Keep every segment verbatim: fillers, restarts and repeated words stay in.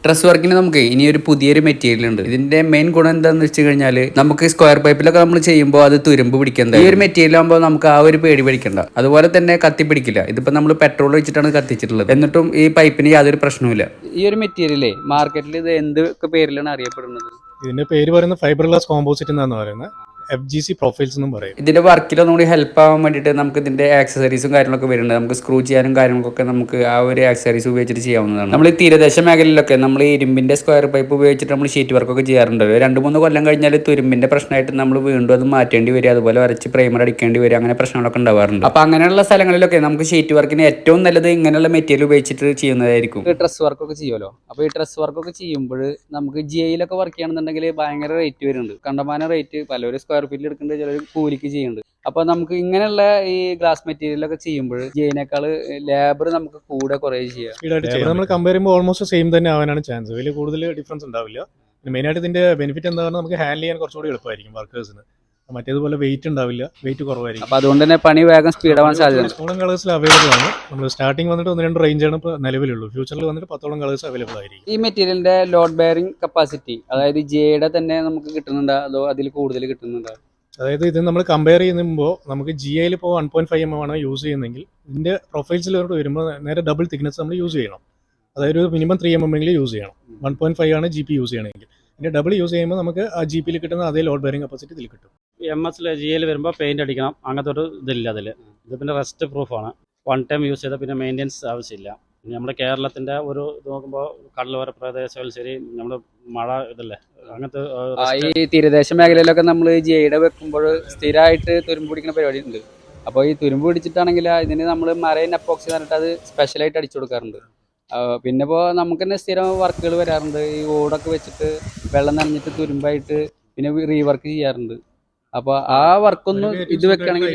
Dress വർക്കിന് നമുക്ക് ഇനി ഒരു പുതിയൊരു മെറ്റീരിയൽ ഉണ്ട്. ഇതിന്റെ മെയിൻ ഗുണം എന്താണെന്ന് വെച്ച് കഴിഞ്ഞാൽ നമുക്ക് സ്ക്വയർ പൈപ്പിലൊക്കെ നമ്മൾ ചെയ്യുമ്പോൾ അത് തുരുമ്പ് പിടിക്കുന്നത്. ഈ ഒരു മെറ്റീരിയൽ ആകുമ്പോൾ നമുക്ക് ആ ഒരു പേടി പിടിക്കണ്ട. അതുപോലെ തന്നെ കത്തി പിടിക്കില്ല. ഇതിപ്പോ നമ്മൾ പെട്രോൾ വെച്ചിട്ടാണ് കത്തിച്ചിട്ടുള്ളത്, എന്നിട്ടും ഈ പൈപ്പിന് യാതൊരു പ്രശ്നവുമില്ല. ഈ ഒരു മെറ്റീരിയലേ മാർക്കറ്റിൽ ഇത് എന്തൊക്കെ പേരിലാണ് അറിയപ്പെടുന്നത്? ഇതിന്റെ പേര് പറയുന്നത് ഫൈബർ ഗ്ലാസ് കോമ്പോസിറ്റ് എന്നാണ് പറയുന്നത്. എഫ് ജി സി പ്രൊഫൈൽസ് എന്നും പറയും. ഇതിന്റെ വർക്കിൽ ഒന്നുകൂടി ഹെൽപ്പ് ആവാൻ വേണ്ടിയിട്ട് നമുക്ക് ഇതിന്റെ ആക്സസറീസും കാര്യങ്ങളൊക്കെ വരുന്നുണ്ട്. നമുക്ക് സ്ക്രൂ ചെയ്യാനും കാര്യങ്ങളൊക്കെ നമുക്ക് ആ ഒരു ആക്സസറീസ് ഉപയോഗിച്ചിട്ട് ചെയ്യാവുന്നതാണ്. നമ്മൾ ഈ തീരദേശ മേഖലയിലൊക്കെ നമ്മൾ ഈ ഇരുമ്പിന്റെ സ്ക്വയർ പൈപ്പ് ഉപയോഗിച്ചിട്ട് നമ്മൾ ഷീറ്റ് വർക്കൊക്കെ ചെയ്യാറുണ്ട്. രണ്ട് മൂന്ന് കൊല്ലം കഴിഞ്ഞാൽ തുരുമ്പിന്റെ പ്രശ്നമായിട്ട് നമ്മൾ വീണ്ടും അത് മാറ്റേണ്ടി വരിക, അതുപോലെ വരച്ച് പ്രൈമർ അടിക്കേണ്ടി വരിക, അങ്ങനെ പ്രശ്നങ്ങളൊക്കെ ഉണ്ടാവാറുണ്ട്. അപ്പൊ അങ്ങനെയുള്ള സ്ഥലങ്ങളിലൊക്കെ നമുക്ക് ഷീറ്റ് വർക്കിന് ഏറ്റവും നല്ലത് ഇങ്ങനെയുള്ള മെറ്റീരിയൽ ഉപയോഗിച്ചിട്ട് ചെയ്യുന്നതായിരിക്കും. ഡ്രസ് വർക്കൊക്കെ ചെയ്യുമല്ലോ. അപ്പൊ ഈ ഡ്രസ് വർക്കൊക്കെ ചെയ്യുമ്പോൾ നമുക്ക് ജി ഐയിലൊക്കെ വർക്ക് ചെയ്യണമെന്നുണ്ടെങ്കിൽ ഭയങ്കര റേറ്റ് വരുന്നുണ്ട്. കണ്ടമാന റേറ്റ്. പലരും സ്ക്വയർ ഫീറ്റിൽ എടുക്കുന്നുണ്ട്, ചിലർ കൂലിക്ക് ചെയ്യുന്നുണ്ട്. അപ്പൊ നമുക്ക് ഇങ്ങനെയുള്ള ഈ ഗ്ലാസ് മെറ്റീരിയൽ ഒക്കെ ചെയ്യുമ്പോൾ ജെയിനേക്കാൾ ലേബർ നമുക്ക് കൂടെ കുറേ ചെയ്യാം. നമ്മൾ കമ്പയർ ചെയ്യുമ്പോൾ ഓൾമോസ്റ്റ് സെയിം തന്നെ ആവാനാണ് ചാൻസ്. വലിയ കൂടുതൽ ഡിഫറൻസ് ഉണ്ടാവില്ല. മെയിനായിട്ട് ഇതിന്റെ ബെനിഫിറ്റ് എന്താണെന്ന് നമുക്ക് ഹാൻഡിൽ ചെയ്യാൻ കുറച്ചുകൂടി എളുപ്പമായിരിക്കും വർക്കേഴ്സിന്. മറ്റേതുപോലെ വെയിറ്റ് ഉണ്ടാവില്ല, വെയിറ്റ് കുറവായിരിക്കും. അപ്പൊ അതുകൊണ്ട് തന്നെ പണി വേഗം സ്പീഡ് ആവാൻ സാധ്യത. പത്തോളം കളേഴ്സിൽ അവൈലബിൾ ആണ്. നമ്മൾ സ്റ്റാർട്ടിംഗ് വന്നിട്ട് ഒന്ന് രണ്ട് റേഞ്ചാണ് ഇപ്പോൾ നിലവിലുള്ളൂ. ഫ്യൂച്ചറിൽ വന്നിട്ട് പത്തോളം കളേഴ്സ് അവൈലബിൾ ആയിരിക്കും. ഈ മെറ്റീരിയലിന്റെ ലോഡ് ബെയറിംഗ് കപ്പാസിറ്റി, അതായത് ജെയുടെ തന്നെ നമുക്ക് കിട്ടുന്നുണ്ടോ അതോ അതിൽ കൂടുതൽ കിട്ടുന്നുണ്ടോ? അതായത് ഇത് നമ്മൾ കമ്പയർ ചെയ്യുമ്പോൾ നമുക്ക് ജി ഐയിൽ ഇപ്പോൾ one point five M M ആണ് യൂസ് ചെയ്യുന്നതെങ്കിൽ ഇതിന്റെ പ്രൊഫൈൽസിലോട്ട് വരുമ്പോൾ നേരെ ഡബിൾ തിക്നെസ് നമ്മൾ യൂസ് ചെയ്യണം. അതായത് ഒരു മിനിമം ത്രീ എം എം എങ്കിലും യൂസ് ചെയ്യണം. വൺ പോയിന്റ് ഫൈവ് ആണ് ജി പി യൂസ് ചെയ്യണമെങ്കിൽ. ഇതിന്റെ ഡബിൾ യൂസ് ചെയ്യുമ്പോൾ നമുക്ക് ആ ജി പിയിൽ കിട്ടുന്ന അതേ ലോഡ് ബെയറിംഗ് കപ്പാസിറ്റി ഇതിൽ കിട്ടും. എം എസ് ജി ഐയിൽ വരുമ്പോൾ പെയിന്റ് അടിക്കണം, അങ്ങനത്തെ ഒരു ഇതില്ല അതിൽ. ഇത് പിന്നെ റെസ്റ്റ് പ്രൂഫാണ്. വൺ ടൈം യൂസ് ചെയ്താൽ പിന്നെ മെയിൻ്റെനൻസ് ആവശ്യമില്ല. പിന്നെ നമ്മുടെ കേരളത്തിന്റെ ഒരു ഇത് നോക്കുമ്പോൾ കടലോര പ്രദേശങ്ങളിൽ ശരി, നമ്മുടെ മഴ ഇതല്ലേ, അങ്ങനത്തെ ഈ തീരദേശ മേഖലയിലൊക്കെ നമ്മൾ ജെയുടെ വെക്കുമ്പോൾ സ്ഥിരമായിട്ട് തുരുമ്പ് പിടിക്കുന്ന പരിപാടി ഉണ്ട്. അപ്പോൾ ഈ തുരുമ്പ് പിടിച്ചിട്ടാണെങ്കിൽ ഇതിന് നമ്മൾ മറൈൻ അപ്പോക്സി പറഞ്ഞിട്ട് അത് സ്പെഷ്യലായിട്ട് അടിച്ചു കൊടുക്കാറുണ്ട്. പിന്നെ ഇപ്പോൾ നമുക്ക് തന്നെ സ്ഥിരം വർക്കുകൾ വരാറുണ്ട്. ഈ ഓടൊക്കെ വെച്ചിട്ട് വെള്ളം നനഞ്ഞിട്ട് തുരുമ്പായിട്ട് പിന്നെ റീവർക്ക് ചെയ്യാറുണ്ട്. അപ്പൊ ആ വർക്കൊന്നും ഇത് വെക്കുകയാണെങ്കിൽ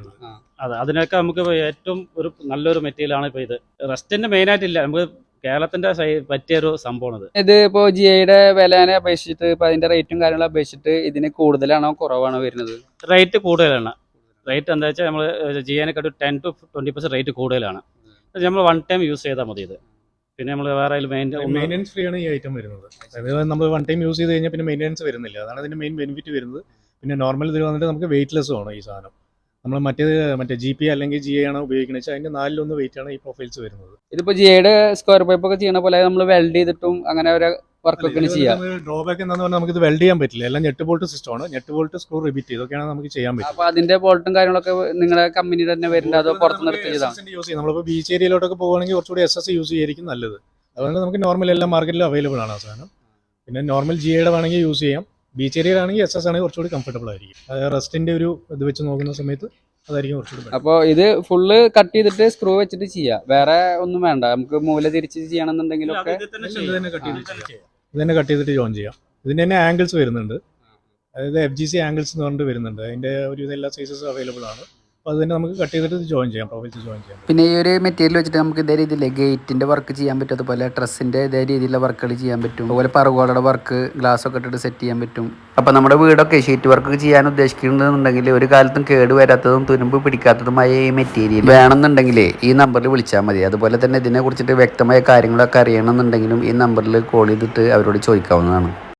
അതെ, അതിനൊക്കെ നമുക്ക് ഏറ്റവും ഒരു നല്ലൊരു മെറ്റീരിയലാണ് ഇപ്പോൾ ഇത്. റെസ്റ്റിന്റെ മെയിൻ ആയിട്ടില്ല, നമുക്ക് കേരളത്തിന്റെ പറ്റിയൊരു സംഭവമാണ് ഇത്. ഇത് ഇപ്പോൾ ജി ഐയുടെ വിലനെ അപേക്ഷിച്ചിട്ട് ഇപ്പൊ അതിന്റെ റേറ്റും കാര്യങ്ങളും അപേക്ഷിച്ചിട്ട് ഇതിന് കൂടുതലാണോ കുറവാണോ വരുന്നത്? റേറ്റ് കൂടുതലാണ്. റേറ്റ് എന്താ വെച്ചാൽ നമ്മൾ ജി ഐനെക്കാട്ട് ten to twenty percent rate കൂടുതലാണ്. നമ്മൾ വൺ ടൈം യൂസ് ചെയ്താൽ മതി ഇത്. പിന്നെ നമ്മൾ വേറെ മെയിൻ്റെനൻസ് ഫ്രീ ആണ് ഈ ഐറ്റം വരുന്നത്. അതായത് നമ്മൾ വൺ ടൈം യൂസ് ചെയ്ത് കഴിഞ്ഞാൽ പിന്നെ മെയിൻ്റെനൻസ് വരുന്നില്ല. അതാണ് ഇതിന്റെ മെയിൻ ബെനിഫിറ്റ് വരുന്നത്. പിന്നെ നോർമൽ ഇതിൽ വന്നിട്ട് നമുക്ക് വെയിറ്റ്ലെസ് ആണ് ഈ സാധനം. നമ്മൾ മറ്റേത് മറ്റേ ജി പി അല്ലെങ്കിൽ ജി ഐ ആണ് ഉപയോഗിക്കുന്നത് വെച്ചാൽ അതിന്റെ നാലിലൊന്ന് വെയിറ്റ് ആണ് ഈ പ്രൊഫൈൽസ് വരുന്നത്. ഇതിപ്പോ ജി ഐയുടെ സ്ക്വയർ പൈപ്പ് ഒക്കെ ചെയ്യണ പോലെ നമ്മൾ വെൽഡ് ചെയ്തിട്ടും അങ്ങനെ ഒരു വർക്കൊക്കെ ചെയ്യാം. ഡ്രോബാക്ക് എന്താണെന്ന് പറഞ്ഞാൽ നമുക്ക് ഇത് വെൽഡ് ചെയ്യാൻ പറ്റില്ല. എല്ലാം നെറ്റ് ബോൾട്ട് സിസ്റ്റം ആണ്. നെറ്റ് ബോൾട്ട് സ്ക്രൂ റിപ്പീറ്റ് ഇതൊക്കെയാണ് നമുക്ക് ചെയ്യാൻ പറ്റും. അപ്പൊ അതിന്റെ ബോൾട്ടും കാര്യങ്ങളൊക്കെ നിങ്ങളുടെ കമ്പനിയുടെ തന്നെ വരുന്നുണ്ട്, അതോ പുറത്തുനിന്ന് ചെയ്താണ് യൂസ് ചെയ്യും? നമ്മളിപ്പോൾ ബീച്ച് ഏരിയയിലോട്ടൊക്കെ പോകുകയാണെങ്കിൽ കുറച്ചുകൂടി എസ് എസ് യൂസ് ചെയ്യായിരിക്കും നല്ലത്. അതുകൊണ്ട് നമുക്ക് നോർമൽ എല്ലാ മാർക്കറ്റിലും അവൈലബിൾ ആണ് ആ സാധനം. പിന്നെ നോർമൽ ജി ഐയുടെ വേണമെങ്കിൽ യൂസ് ചെയ്യാം. ബീച്ച് ഏരിയയിലാണെങ്കിൽ എസ് എസ് ആണെങ്കിൽ കുറച്ചുകൂടി കംഫർട്ടബിൾ ആയിരിക്കും. അതായത് റെസ്റ്റിന്റെ ഒരു ഇത് വെച്ച് നോക്കുന്ന സമയത്ത് അതായിരിക്കും കുറച്ചുകൂടി. അപ്പോൾ ഇത് ഫുള്ള് കട്ട് ചെയ്തിട്ട് സ്ക്രൂ വെച്ചിട്ട് ചെയ്യാം, വേറെ ഒന്നും വേണ്ട. നമുക്ക് മൂല തിരിച്ച് ചെയ്യണമെന്നുണ്ടെങ്കിലൊക്കെ ഇത് തന്നെ കട്ട് ചെയ്തിട്ട് ജോയിൻ ചെയ്യാം. ഇതിന്റെ തന്നെ ആംഗിൾസ് വരുന്നുണ്ട്. അതായത് എഫ് ജി സി ആംഗിൾസ് എന്ന് പറഞ്ഞിട്ട് വരുന്നുണ്ട്. അതിന്റെ ഒരു എല്ലാ സൈസസും അവൈലബിൾ ആണ്. അപ്പോൾ അത് തന്നെ നമുക്ക് കട്ട് ചെയ്തിട്ട് ജോയിൻ ചെയ്യാം, പ്രൊഫൈൽസ് ജോയിൻ ചെയ്യാം. പിന്നെ ഈ ഒരു മെറ്റീരിയൽ വെച്ചിട്ട് നമുക്ക് ഇതേ രീതിയിൽ ഗേറ്റിന്റെ വർക്ക് ചെയ്യാൻ പറ്റും, അതുപോലെ ഡ്രസ്സിന്റെ ഇതേ രീതിയിലുള്ള വർക്കുകൾ ചെയ്യാൻ പറ്റും, അതുപോലെ പറകോളയുടെ വർക്ക് ഗ്ലാസ് ഒക്കെ ഇട്ടിട്ട് സെറ്റ് ചെയ്യാൻ പറ്റും. അപ്പോൾ നമ്മുടെ വീടൊക്കെ ഷീറ്റ് വർക്ക് ചെയ്യാൻ ഉദ്ദേശിക്കുന്നുണ്ടെങ്കിൽ ഒരു കാലത്തും കേട് വരാത്തതും തുരുമ്പ് പിടിക്കാത്തതുമായ ഈ മെറ്റീരിയൽ വേണമെന്നുണ്ടെങ്കിൽ ഈ നമ്പറിൽ വിളിച്ചാൽ മതി. അതുപോലെ തന്നെ ഇതിനെ കുറിച്ചിട്ട് വ്യക്തമായ കാര്യങ്ങളൊക്കെ അറിയണമെന്നുണ്ടെങ്കിലും ഈ നമ്പറിൽ കോൾ ചെയ്തിട്ട് അവരോട് ചോദിക്കാവുന്നതാണ്.